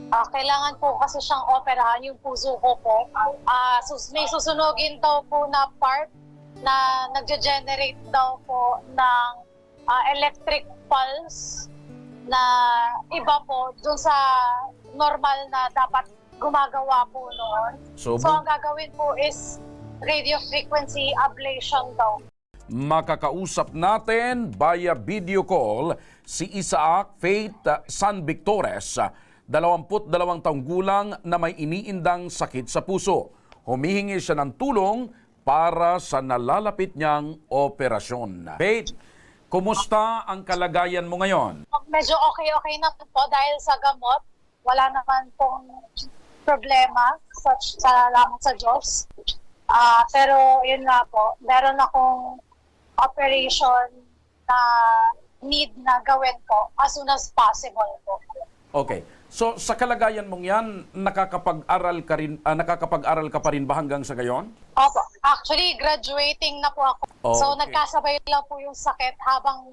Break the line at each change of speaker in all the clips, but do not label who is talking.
Kailangan po kasi siyang operahan yung puso ko po. May susunugin daw po na part na nagge-generate daw po ng electric pulse na iba po dun sa normal na dapat gumagawa po noon.
So,
So ang gagawin po is radio frequency ablation daw.
makakausap natin via video call si Isaac Faith San Victores, 22 taong gulang na may iniindang sakit sa puso. Humihingi siya ng tulong para sa nalalapit niyang operasyon. Faith, kumusta ang kalagayan mo ngayon?
Medyo okay na po dahil sa gamot. Wala naman pong problema. Salamat sa Diyos. Pero yun nga po, meron akong operation na need na gawin ko as soon as possible po.
Okay. So sa kalagayan mong 'yan, nakakapag-aral ka pa rin ba hanggang sa gayon?
Opo. Actually, graduating na po ako. So
Okay.
nagkasabay lang po yung sakit habang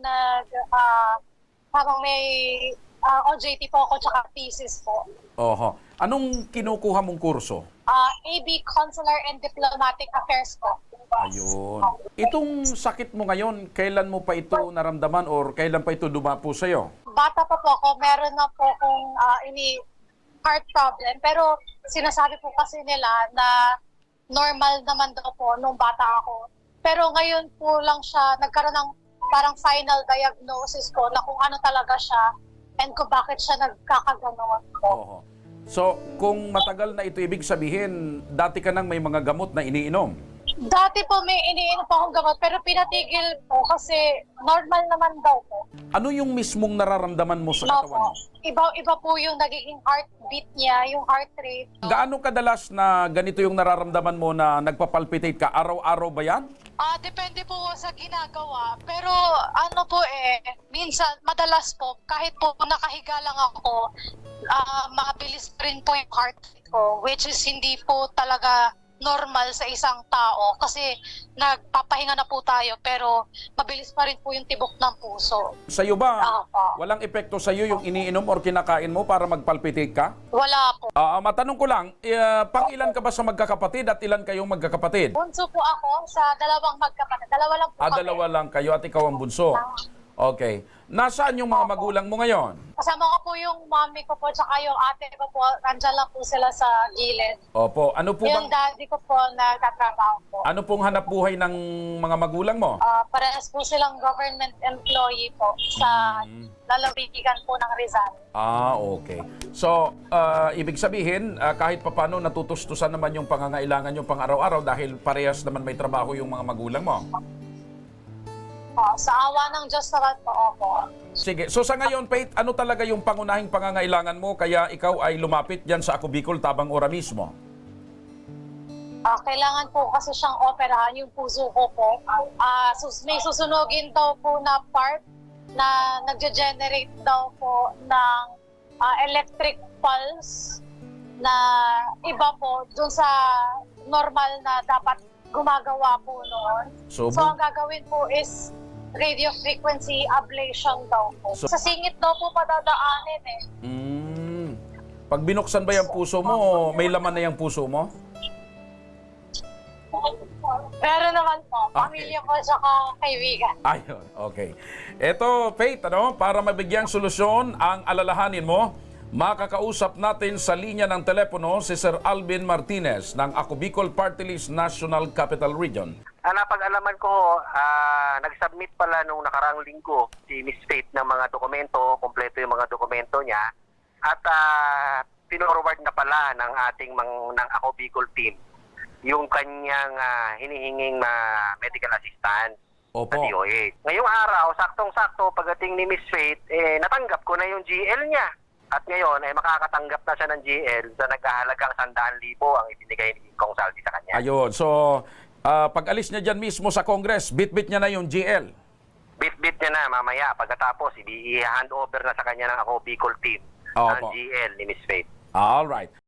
may OJT po ako tsaka thesis po.
Oho. Anong kinukuha mong kurso?
AB Consular and Diplomatic Affairs po.
Ayun. Itong sakit mo ngayon, kailan mo pa ito naramdaman or kailan pa ito dumapo sa'yo?
Bata pa po ako, meron na po akong heart problem. Pero sinasabi po kasi nila na normal naman daw po nung bata ako. Pero ngayon po lang siya, nagkaroon ng parang final diagnosis ko na kung ano talaga siya and kung bakit siya nagkakaganon po.
Oho. So, kung matagal na ito, ibig sabihin, dati ka nang may mga gamot na iniinom?
Dati po may iniinom po akong gamot pero pinatigil po kasi normal naman daw po.
Ano yung mismong nararamdaman mo sa
No
katawan mo?
po. Iba po yung nagiging heartbeat niya, yung heart rate.
Gaano kadalas na ganito yung nararamdaman mo na nagpapalpitate ka? Araw-araw ba yan?
Depende po sa ginagawa. Pero ano po minsan, madalas po, kahit po nakahiga lang ako, mabilis rin po yung heart rate ko, which is hindi po talaga normal sa isang tao kasi nagpapahinga na po tayo pero mabilis pa rin po yung tibok ng puso.
Sa'yo ba,
Opo.
walang epekto sa'yo yung iniinom or kinakain mo para magpalpitate ka?
Wala po.
Matanong ko lang, pang ilan ka ba sa magkakapatid at ilan kayong magkakapatid?
Bunso po ako sa dalawang magkapatid. Dalawa lang po kami.
Dalawa lang kayo at ikaw ang bunso. Okay. Nasaan yung mga magulang mo ngayon?
Kasama ko po yung mommy ko po tsaka yung ate ko po. Nandiyan lang po sila sa gilid.
Opo. Ano po
Yung
bang,
daddy ko po nagtatrabaho po.
ano pong hanap buhay ng mga magulang mo?
Parehas po silang government employee po sa lalawigan po ng Rizal.
Okay. So, ibig sabihin, kahit papano natutustusan naman yung pangangailangan yung pang araw-araw dahil parehas naman may trabaho yung mga magulang mo.
Sa awa ng Diyos naman po ako.
Sige. So sa ngayon, Faith, ano talaga yung pangunahing pangangailangan mo kaya ikaw ay lumapit dyan sa Ako Bicol Tabang Ora mismo?
Kailangan po kasi siyang operahan yung puso ko po. May susunugin daw po na part na nagge-generate daw po ng electric pulse na iba po dun sa normal na dapat gumagawa po noon.
So
ang gagawin po is radio frequency ablation daw po.
So-
Sa singit daw po padadaanin
Pag binuksan ba yung puso mo, may laman na yung puso mo?
Pero naman po,
Okay.
pamilya ko tsaka kaibigan.
Ayun, okay. Ito, Faith, para mabigyang solusyon ang alalahanin mo, makakausap natin sa linya ng telepono si Sir Alvin Martinez ng Ako Bicol Party List National Capital Region.
Napag-alaman ko, nag-submit pala nung nakaraang linggo si Miss Faith ng mga dokumento, kompleto yung mga dokumento niya, at pinorward na pala ng ating ng Ako Bicol team yung kanyang hinihinging medical assistance
Opo.
sa DOH. Ngayong araw, saktong-sakto, pagdating ni Miss Faith, natanggap ko na yung GL niya. At ngayon, makakatanggap na siya ng GL sa nagkahalagang 100,000 ang ibinigay ni Kong Saldi sa kanya.
Ayun, so pag alis niya dyan mismo sa Congress, bit-bit niya na yung GL.
Bit-bit niya na mamaya. Pagkatapos, i-hand over na sa kanya ng Ako Bicol team ang
Opo.
GL ni Miss Faith.
All right.